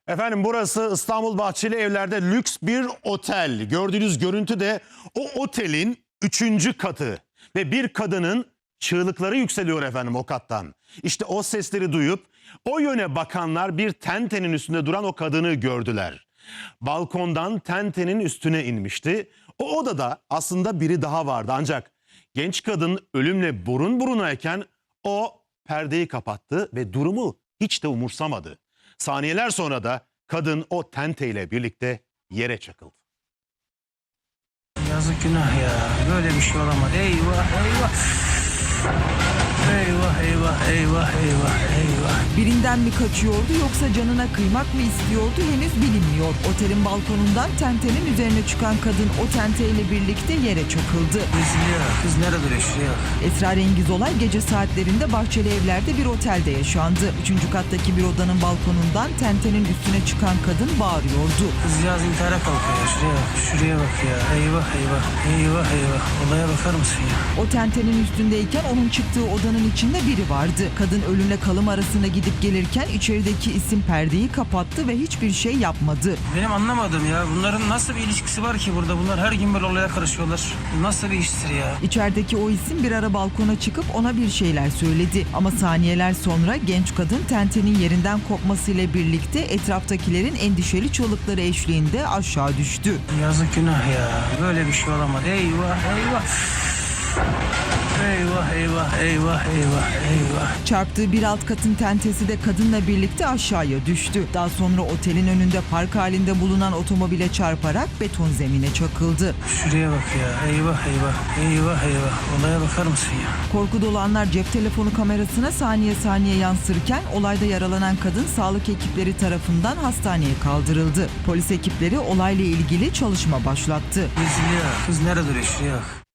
Efendim burası İstanbul Bahçeli Evler'de lüks bir otel. Gördüğünüz görüntü de o otelin 3. katı. Ve bir kadının çığlıkları yükseliyor efendim o kattan. İşte o sesleri duyup o yöne bakanlar bir tentenin üstünde duran o kadını gördüler. Balkondan tentenin üstüne inmişti. O odada aslında biri daha vardı ancak genç kadın ölümle burun burunayken o perdeyi kapattı ve durumu hiç de umursamadı. Saniyeler sonra da kadın o tenteyle birlikte yere çakıldı. Yazık, günah ya. Böyle bir şey olamadı. Eyvah eyvah. Eyvah eyvah eyvah eyvah eyvah. Birinden mi kaçıyordu yoksa canına kıymak mı istiyordu henüz bilinmiyor. Otelin balkonundan tentenin üzerine çıkan kadın o tenteyle birlikte yere çakıldı. Üzülüyor. Kız nerede duruyor? Şuraya bak. Esrarengiz olay gece saatlerinde Bahçeli Evler'de bir otelde yaşandı. 3. kattaki bir odanın balkonundan tentenin üstüne çıkan kadın bağırıyordu. Kızcağız intihara kalkıyor ya. Şuraya bak. Şuraya bak ya. Eyvah eyvah. Eyvah eyvah. Olaya bakar mısın ya? O tentenin üstündeyken onun çıktığı odanın içinde biri vardı. Kadın ölümle kalım arasında gidip gelirken içerideki isim perdeyi kapattı ve hiçbir şey yapmadı. Benim anlamadım ya. Bunların nasıl bir ilişkisi var ki burada? Bunlar her gün böyle olaya karışıyorlar. Nasıl bir iştir ya? İçerideki o isim bir ara balkona çıkıp ona bir şeyler söyledi. Ama saniyeler sonra genç kadın tentenin yerinden kopmasıyla birlikte etraftakilerin endişeli çığlıkları eşliğinde aşağı düştü. Yazık, günah ya. Böyle bir şey olamadı. Eyvah eyvah. Eyvah eyvah eyvah eyvah eyvah. Çarptığı bir alt katın tentesi de kadınla birlikte aşağıya düştü. Daha sonra otelin önünde park halinde bulunan otomobile çarparak beton zemine çakıldı. Şuraya bak ya. Eyvah eyvah. Eyvah eyvah. Olaya bakar mısın ya? Korku dolu anlar cep telefonu kamerasına saniye saniye yansırken olayda yaralanan kadın sağlık ekipleri tarafından hastaneye kaldırıldı. Polis ekipleri olayla ilgili çalışma başlattı. Üzülüyor. Kız nerede duruyor? Şuraya bak.